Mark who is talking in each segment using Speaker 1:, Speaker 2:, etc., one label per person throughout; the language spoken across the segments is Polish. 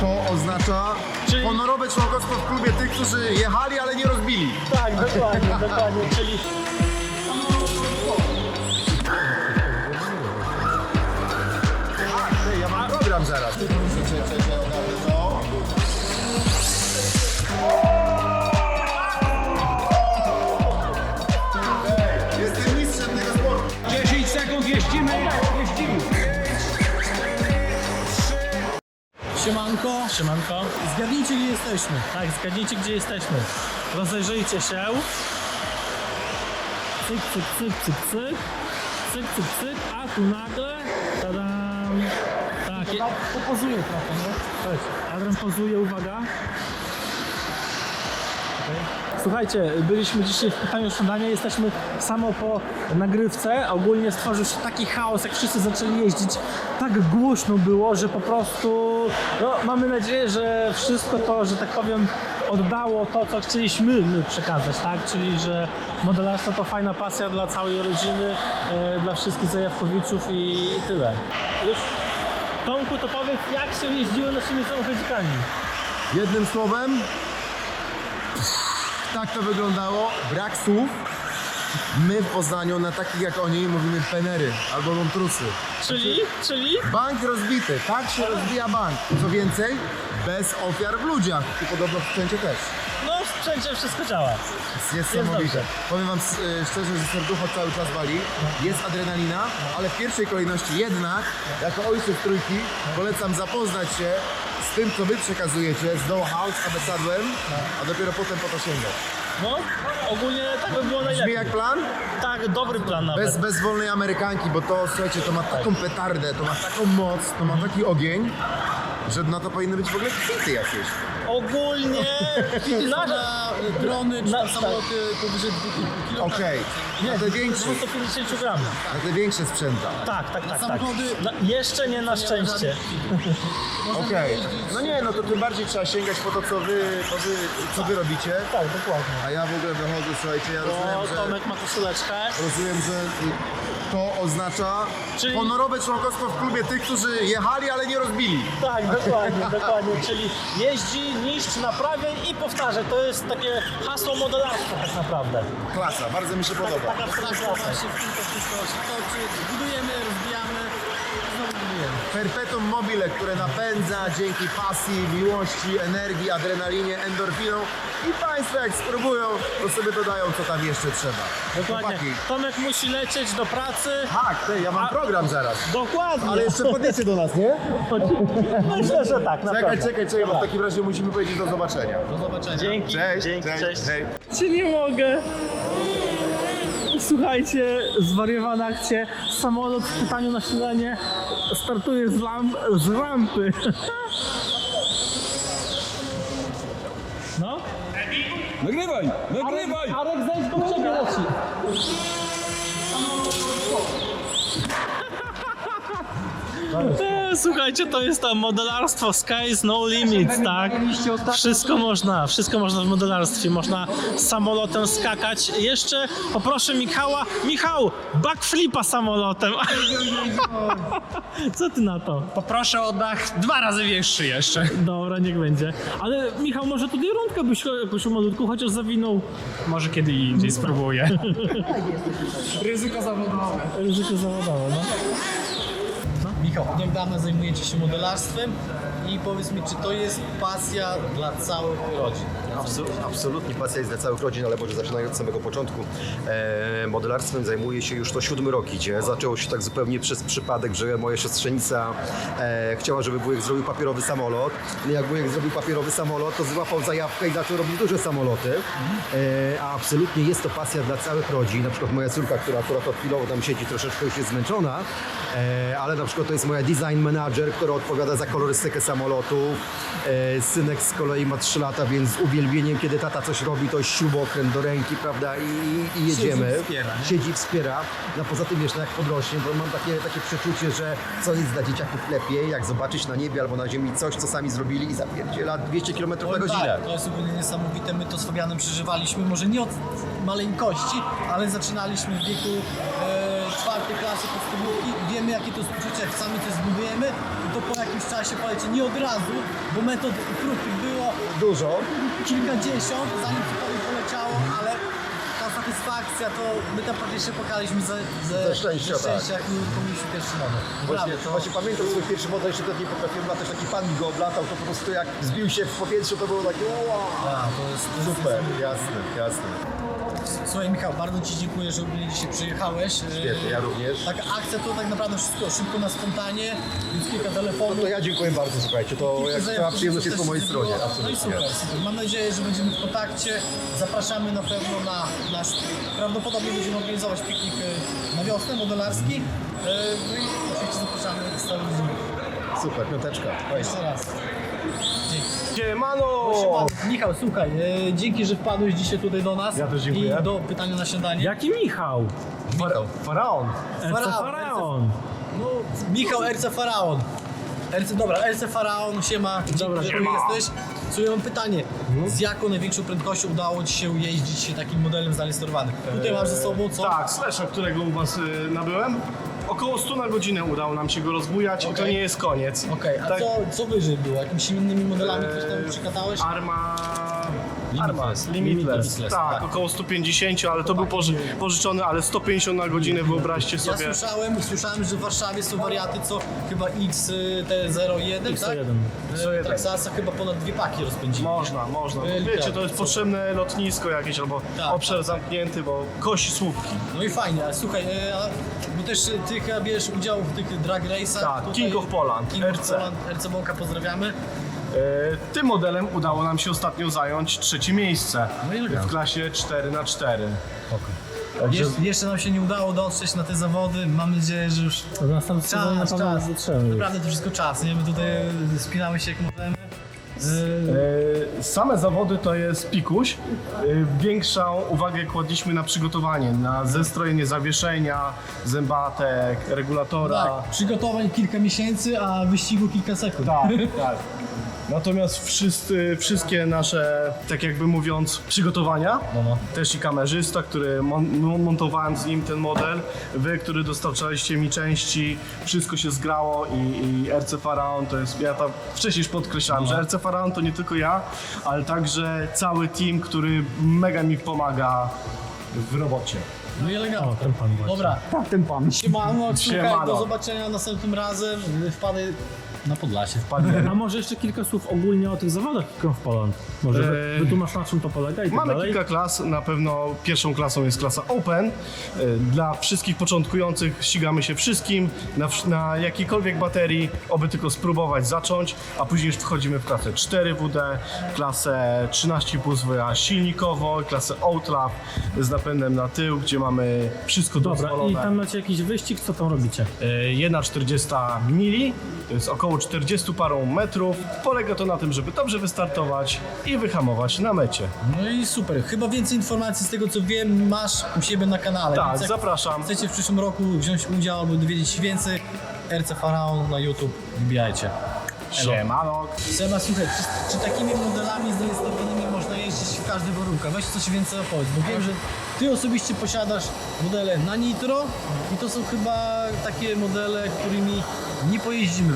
Speaker 1: To oznacza honorowe członkostwo w klubie tych, którzy jechali, ale nie rozbili.
Speaker 2: Tak, dokładnie, dokładnie, czyli...
Speaker 1: Ja mam program zaraz. Jestem mistrzem tego sportu.
Speaker 3: 10 sekund, jeździmy.
Speaker 2: Siemanko,
Speaker 4: Siemanko.
Speaker 2: zgadnijcie gdzie jesteśmy.
Speaker 4: Tak, zgadnijcie gdzie jesteśmy. Rozejrzyjcie się. Cyk, cyk, cyk, cyk, cyk. Cyk, cyk, cyk. A tu nagle... Tadam. Tak,
Speaker 2: Popozuję trochę, nie?
Speaker 4: chodź. Adrian pozuje, uwaga. Słuchajcie, byliśmy dzisiaj w pytaniu o śniadanie, jesteśmy samo po nagrywce. Ogólnie stworzył się taki chaos, jak wszyscy zaczęli jeździć. Tak głośno było, że po prostu no, mamy nadzieję, że wszystko to, że tak powiem, oddało to, co chcieliśmy przekazać, tak? Czyli, że modelarstwo to fajna pasja dla całej rodziny, dla wszystkich zajawkowiczów i tyle. Już Tomku, to powiedz, jak się jeździło naszymi samochodzikami?
Speaker 1: Jednym słowem, tak to wyglądało. Brak słów. My w Poznaniu na takich jak oni mówimy penery albo montrusy.
Speaker 4: Czyli?
Speaker 1: Bank rozbity, tak się rozbija bank. Co więcej, bez ofiar w ludziach. I podobno w sprzęcie też.
Speaker 4: No w sprzęcie wszystko działa.
Speaker 1: Jest niesamowite.
Speaker 4: dobrze.
Speaker 1: Powiem wam szczerze, że serducho cały czas wali. Jest adrenalina, ale w pierwszej kolejności jednak, jako ojciec trójki, polecam zapoznać się z tym, co wy przekazujecie, z know-how, z ambasadłem, a dopiero potem po to sięgać.
Speaker 4: No, ogólnie tak by było
Speaker 1: Brzmi
Speaker 4: najlepiej.
Speaker 1: jak plan?
Speaker 4: Tak, dobry plan nawet.
Speaker 1: Bez wolnej Amerykanki, bo to, słuchajcie, to ma taką petardę, to ma taką moc, to ma taki ogień, że na to powinny być w ogóle kwity jakieś.
Speaker 4: Ogólnie
Speaker 2: Na drony czy
Speaker 4: Na-
Speaker 2: samoloty powyżej 2,5 kg.
Speaker 1: Okej, na te większe,
Speaker 4: 250 gramów.
Speaker 1: na te większe sprzęta.
Speaker 4: Tak, tak, tak.
Speaker 2: samochody-
Speaker 4: Jeszcze nie na szczęście.
Speaker 1: Okej. No nie, no to tym bardziej trzeba sięgać po to, co wy robicie.
Speaker 4: Tak, dokładnie.
Speaker 1: A ja w ogóle wychodzę, słuchajcie, ja
Speaker 4: O,
Speaker 1: rozumiem,
Speaker 4: Tomek ma koszuleczkę.
Speaker 1: że to oznacza
Speaker 4: Czyli-
Speaker 1: honorowe członkostwo w klubie tych, którzy jechali, ale nie rozbili.
Speaker 4: Tak, dokładnie, dokładnie. Czyli jeździ, niszcz, naprawiaj i powtarzaj. To jest takie hasło modelarstwa tak naprawdę.
Speaker 1: Klasa, bardzo mi się podoba.
Speaker 4: Taka
Speaker 2: Tak,
Speaker 4: klasa.
Speaker 2: właśnie w tym to wszystko się toczy. Budujemy, rozbijamy, znowu budujemy.
Speaker 1: Perpetuum mobile, które napędza dzięki pasji, miłości, energii, adrenalinie, endorfiną i Państwo jak spróbują, to sobie dodają, co tam jeszcze trzeba.
Speaker 4: Dokładnie.
Speaker 1: Chłopaki.
Speaker 4: Tomek musi lecieć do pracy.
Speaker 1: Tak, ja mam program zaraz.
Speaker 4: Dokładnie.
Speaker 1: Ale jeszcze podjecie do nas, nie?
Speaker 4: Myślę, że tak, naprawdę.
Speaker 1: Czekaj, bo w takim razie musimy powiedzieć do zobaczenia.
Speaker 2: Do zobaczenia.
Speaker 4: Dzięki, dzięki, cześć.
Speaker 1: hej.
Speaker 4: Czy nie mogę? Słuchajcie, zwariowana akcja. Samolot w pytaniu na śniadanie startuje z rampy. No?
Speaker 3: Nagrywaj!
Speaker 4: Arek, zejdź, bo w ciebie leci. Słuchajcie, to jest to modelarstwo, sky is no limit, tak? Wszystko można w modelarstwie, można samolotem skakać. Jeszcze poproszę Michał, backflipa samolotem. Co ty na to?
Speaker 5: Poproszę o dach 2 razy większy jeszcze.
Speaker 4: Dobra, niech będzie. Ale Michał, może tutaj rundkę byś jakoś malutku chociaż zawinął.
Speaker 5: Może kiedy indziej spróbuję.
Speaker 2: Ryzyko zawodowe.
Speaker 4: Ryzyko zawodowe, no.
Speaker 2: Michał, jak dawno zajmujecie się modelarstwem i powiedz mi, czy to jest pasja dla całych rodzin?
Speaker 6: Absolutnie pasja jest dla całych rodzin, ale może zaczynając od samego początku. Modelarstwem zajmuję się już to 7 rok idzie. Zaczęło się tak zupełnie przez przypadek, że moja siostrzenica chciała, żeby wujek zrobił papierowy samolot. Jak wujek zrobił papierowy samolot, to złapał zajawkę i zaczął robić duże samoloty. A absolutnie jest to pasja dla całych rodzin. Na przykład moja córka, która akurat od chwilowo tam siedzi, troszeczkę już jest zmęczona, ale na przykład to jest moja design manager, która odpowiada za kolorystykę samolotu. Synek z kolei ma 3 lata, więc z uwielbieniem, kiedy tata coś robi, to śrubokręt do ręki, prawda, i jedziemy. Siedzi, wspiera. No poza tym jeszcze jak podrośnie, bo mam takie przeczucie, że co jest dla dzieciaków lepiej, jak zobaczyć na niebie albo na ziemi coś, co sami zrobili i zapierdziela 200 km na godzinę.
Speaker 2: Tak, to jest ogólnie niesamowite. My to z Fabianem przeżywaliśmy, może nie od maleńkości, ale zaczynaliśmy w wieku 4. klasy podstawówki. Wiemy, jakie to jest uczucie, jak sami coś zbudujemy i to po jakimś czasie poleci, nie od razu, bo metod prób było
Speaker 6: Dużo.
Speaker 2: kilkadziesiąt, zanim cokolwiek poleciało, ale ta satysfakcja, to my tam praktycznie pokaliśmy
Speaker 6: Ze szczęścia, tak.
Speaker 2: jak my mieliśmy pierwszy model.
Speaker 6: Właśnie pamiętam swój pierwszy model, jeszcze wtedy nie potrafiłem latać, taki pan mi go oblatał, to po prostu jak zbił się w powietrzu, to było takie wow.
Speaker 2: To jest
Speaker 6: Super, jasne, jasne.
Speaker 2: Słuchaj Michał, bardzo Ci dziękuję, że ogólnie dzisiaj przyjechałeś.
Speaker 6: Świetnie, ja również.
Speaker 2: Taka akcja to tak naprawdę wszystko szybko na spontanie, więc kilka telefonów.
Speaker 6: No to ja dziękuję bardzo, słuchajcie, to jak cała przyjemność jest po mojej stronie,
Speaker 2: No i
Speaker 6: absolutnie.
Speaker 2: super, super. Mam nadzieję, że będziemy w kontakcie. Zapraszamy na pewno na nasz, prawdopodobnie będziemy organizować piknik na wiosnę modelarski. No i oczywiście zapraszamy z całym ludźmi.
Speaker 6: Super, piąteczka.
Speaker 2: Jeszcze raz. Dzięki.
Speaker 3: Siemano!
Speaker 2: Michał, słuchaj, dzięki, że wpadłeś dzisiaj tutaj do nas.
Speaker 3: Ja też dziękuję.
Speaker 2: I do pytania na śniadanie.
Speaker 4: Jaki Michał?
Speaker 3: Faraon.
Speaker 4: Faraon.
Speaker 2: No, Michał RC Faraon. RC Faraon, siema.
Speaker 4: Dobra,
Speaker 2: Dzięki, że tu jesteś. Słuchaj, mam pytanie. Z jaką największą prędkością udało Ci się jeździć takim modelem zarejestrowanym? Tutaj masz ze sobą co?
Speaker 7: Tak, Slasha, którego u Was nabyłem. Około 100 na godzinę udało nam się go rozbujać i to
Speaker 2: Okej.
Speaker 7: nie jest koniec.
Speaker 2: Okej, a
Speaker 7: Tak.
Speaker 2: co wyżej było? Jakimiś innymi modelami ktoś tam przekazałeś?
Speaker 7: Arma...
Speaker 2: Limitless.
Speaker 7: Limitless.
Speaker 2: Limitless,
Speaker 7: Tak,
Speaker 2: tak.
Speaker 7: około 150, ale to był pożyczony, ale 150 na godzinę, wyobraźcie
Speaker 2: Ja
Speaker 7: sobie.
Speaker 2: słyszałem, że w Warszawie są wariaty, co chyba XT01, tak?
Speaker 4: X1.
Speaker 2: Traxasa chyba ponad 2 paki rozpędzili.
Speaker 7: Można. Wiecie, to jest potrzebne lotnisko jakieś albo
Speaker 2: Tak.
Speaker 7: obszar zamknięty, bo kości słupki.
Speaker 2: No i fajnie, ale słuchaj, bo też ty chyba bierzesz udział w tych drag race'ach.
Speaker 7: Tak,
Speaker 2: tutaj.
Speaker 7: King of Poland,
Speaker 2: King of
Speaker 7: RC.
Speaker 2: Poland, RC Bąka, pozdrawiamy.
Speaker 7: Tym modelem udało nam się ostatnio zająć 3. miejsce
Speaker 2: No i elegancko.
Speaker 7: w klasie 4x4.
Speaker 2: Jeszcze nam się nie udało dotrzeć na te zawody, mam nadzieję, że już
Speaker 4: W następnym sezonie na pewno nas dotrzemy.
Speaker 2: Naprawdę to wszystko czas, nie? My tutaj spinamy się jak możemy.
Speaker 7: Same zawody to jest pikuś. Większą uwagę kładliśmy na przygotowanie, na zestrojenie zawieszenia, zębatek, regulatora.
Speaker 2: Tak, przygotowań kilka miesięcy, a wyścigu kilka sekund.
Speaker 7: Tak. Natomiast wszystkie nasze, tak jakby mówiąc, przygotowania, też i kamerzysta, który montowałem z nim ten model, wy, który dostarczaliście mi części, wszystko się zgrało i RC Faraon to jest, ja tam wcześniej już podkreślałem, że RC Faraon to nie tylko ja, ale także cały team, który mega mi pomaga w robocie.
Speaker 2: No i elegancko.
Speaker 4: Ten pan właśnie.
Speaker 2: Dobra,
Speaker 4: Ten pan.
Speaker 2: siemano, słuchaj,
Speaker 7: Siemano.
Speaker 2: do zobaczenia następnym razem. Wpadaj na Podlasie.
Speaker 4: A może jeszcze kilka słów ogólnie o tych zawodach King of Poland? Może wytłumacz, na czym to polega i tak
Speaker 7: Mamy
Speaker 4: dalej?
Speaker 7: kilka klas, na pewno pierwszą klasą jest klasa Open. Dla wszystkich początkujących ścigamy się wszystkim, na jakiejkolwiek baterii, oby tylko spróbować zacząć, a później już wchodzimy w klasę 4WD, klasę 13,5 zwoja silnikowo, klasę Outlap z napędem na tył, gdzie mamy wszystko
Speaker 4: Dobra,
Speaker 7: dozwolone.
Speaker 4: i tam macie jakiś wyścig, co tam robicie?
Speaker 7: 1,40 mili, to jest około 40 parą metrów. Polega to na tym, żeby dobrze wystartować i wyhamować na mecie.
Speaker 2: No i super. Chyba więcej informacji z tego co wiem masz u siebie na kanale.
Speaker 7: Tak,
Speaker 2: Więc jak
Speaker 7: zapraszam.
Speaker 2: chcecie w przyszłym roku wziąć udział albo dowiedzieć się więcej, RC Faraon na YouTube wbijajcie.
Speaker 7: Siemano.
Speaker 2: Seba, słuchaj, czy takimi modelami zarejestrowanymi można jeździć w każdych warunkach? Weź coś więcej opowiedz, bo wiem, że ty osobiście posiadasz modele na nitro i to są chyba takie modele, którymi nie pojeździmy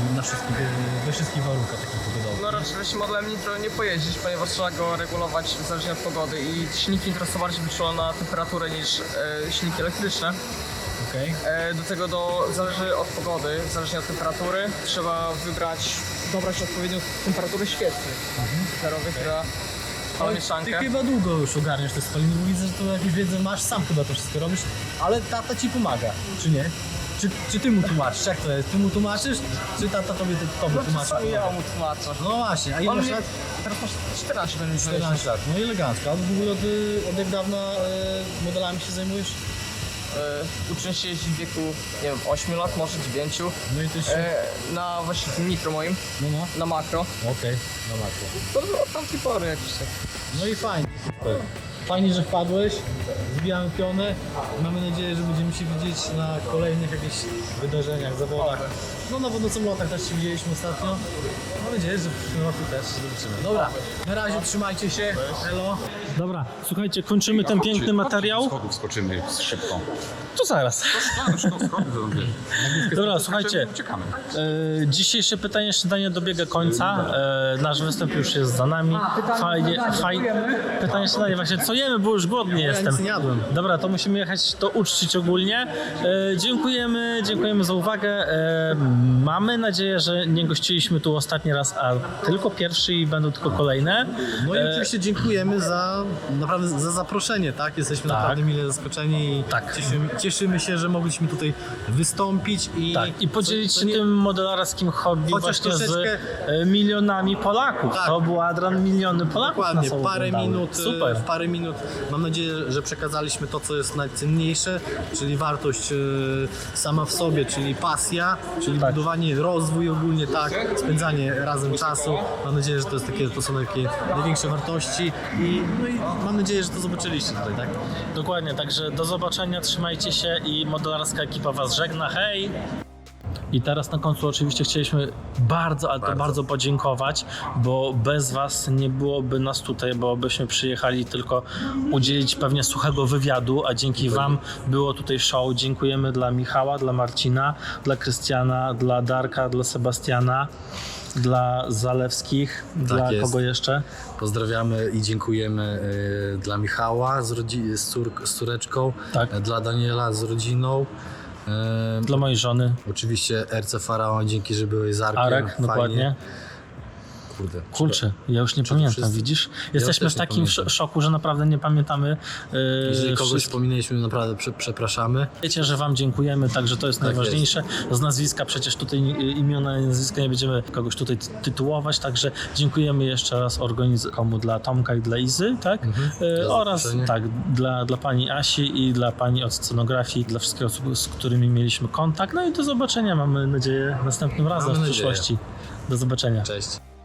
Speaker 2: we wszystkich warunkach takich pogodowych.
Speaker 8: No raczej modelem nitro nie pojeździć, ponieważ trzeba go regulować zależnie od pogody i silniki nitro są bardziej wyczulone na temperaturę niż silniki elektryczne.
Speaker 2: Okej.
Speaker 8: Do tego zależy od pogody, zależnie od temperatury. Trzeba dobrać odpowiednią temperaturę świecy zerowych, która ma
Speaker 2: Ty
Speaker 8: mieszankę.
Speaker 2: chyba długo już ogarniasz te spaliny, bo widzę, że tu jakąś wiedzę masz, sam chyba to wszystko robisz, ale tata ci pomaga, czy nie? Czy ty mu tłumaczysz? Jak to jest? Ty mu tłumaczysz, czy tata tobie tłumaczy?
Speaker 8: Czasami ja mu tłumaczę.
Speaker 2: No właśnie, a ile
Speaker 8: On
Speaker 2: masz
Speaker 8: mnie,
Speaker 2: lat?
Speaker 8: teraz masz 14 będzie
Speaker 2: 14 lat, no i elegancko. A w ogóle od jak dawna modelami się zajmujesz?
Speaker 8: Uczę się jeździć w wieku, nie wiem, 8 lat, może 9.
Speaker 2: No i to się...
Speaker 8: Na właśnie tym nitro moim,
Speaker 2: No,
Speaker 8: na makro.
Speaker 2: okej, no makro.
Speaker 8: To od tamtej pory jakiś tak.
Speaker 2: No i fajnie, super. Fajnie, że wpadłeś. Wbijamy pionę. Mamy nadzieję, że będziemy się widzieć na kolejnych jakichś wydarzeniach, zawodach. No na wodocomlotach też się widzieliśmy ostatnio. Mam nadzieję, że w przyszłym roku też się zobaczymy. Dobra, na razie trzymajcie się. Elo.
Speaker 4: Dobra, słuchajcie, kończymy ten piękny materiał.
Speaker 9: Schodów skoczymy szybko.
Speaker 4: To zaraz. Dobra, słuchajcie,
Speaker 9: Czekamy.
Speaker 4: dzisiejsze pytanie śniadanie dobiega końca. Nasz występ już jest za nami. Fajnie. Pytanie śniadanie właśnie, co jemy, bo już głodny jestem.
Speaker 2: nic nie jadłem.
Speaker 4: Dobra, to musimy jechać to uczcić ogólnie. Dziękujemy za uwagę. Mamy nadzieję, że nie gościliśmy tu ostatni raz, a tylko pierwszy i będą tylko kolejne.
Speaker 2: No i oczywiście dziękujemy naprawdę za zaproszenie, tak? Jesteśmy naprawdę mile zaskoczeni i
Speaker 4: Tak.
Speaker 2: cieszymy się, że mogliśmy tutaj wystąpić i,
Speaker 4: Tak, i podzielić
Speaker 2: co
Speaker 4: się
Speaker 2: nie-
Speaker 4: tym modelarskim hobby
Speaker 2: Chociaż
Speaker 4: właśnie
Speaker 2: troszeczkę-
Speaker 4: z milionami Polaków.
Speaker 2: Tak.
Speaker 4: To był Adrian, miliony Polaków
Speaker 2: Dokładnie,
Speaker 4: nas
Speaker 2: parę
Speaker 4: oglądały.
Speaker 2: minut,
Speaker 4: Super.
Speaker 2: w parę minut. Mam nadzieję, że przekazaliśmy to, co jest najcenniejsze, czyli wartość sama w sobie, czyli pasja, czyli
Speaker 4: Tak.
Speaker 2: budowanie, rozwój ogólnie, tak, spędzanie razem czasu. Mam nadzieję, że to są takie największe wartości i mam nadzieję, że to zobaczyliście tutaj, tak?
Speaker 4: Dokładnie, także do zobaczenia, trzymajcie się i modelarska ekipa was żegna, hej! I teraz na końcu oczywiście chcieliśmy bardzo podziękować, bo bez was nie byłoby nas tutaj, bo byśmy przyjechali tylko udzielić pewnie suchego wywiadu, a dzięki wam było tutaj show. Dziękujemy dla Michała, dla Marcina, dla Krystiana, dla Darka, dla Sebastiana, dla Zalewskich, dla
Speaker 2: jest.
Speaker 4: kogo jeszcze?
Speaker 2: Pozdrawiamy i dziękujemy dla Michała z córeczką,
Speaker 4: Tak.
Speaker 2: dla Daniela z rodziną.
Speaker 4: Dla mojej żony,
Speaker 2: Oczywiście RC Faraon, dzięki, że byłeś z Arkiem.
Speaker 4: Arek,
Speaker 2: Fajnie.
Speaker 4: dokładnie.
Speaker 2: Kurczę.
Speaker 4: Kurczę, ja już nie pamiętam,
Speaker 2: wszyscy?
Speaker 4: widzisz? Jesteśmy
Speaker 2: też
Speaker 4: w
Speaker 2: nie
Speaker 4: takim
Speaker 2: pamiętam.
Speaker 4: szoku, że naprawdę nie pamiętamy.
Speaker 2: Jeżeli kogoś
Speaker 4: wszystkich.
Speaker 2: wspominaliśmy, naprawdę przepraszamy.
Speaker 4: Wiecie, że wam dziękujemy, także to jest najważniejsze. Z nazwiska przecież tutaj imiona i nazwiska nie będziemy kogoś tutaj tytułować, także dziękujemy jeszcze raz organizatorom dla Tomka i dla Izy, tak? Oraz
Speaker 2: zaproszenie.
Speaker 4: tak, dla pani Asi i dla pani od scenografii, dla wszystkich osób, z którymi mieliśmy kontakt. No i do zobaczenia, mamy nadzieję, następnym razem w
Speaker 2: nadzieję.
Speaker 4: przyszłości. Do zobaczenia.
Speaker 2: Cześć.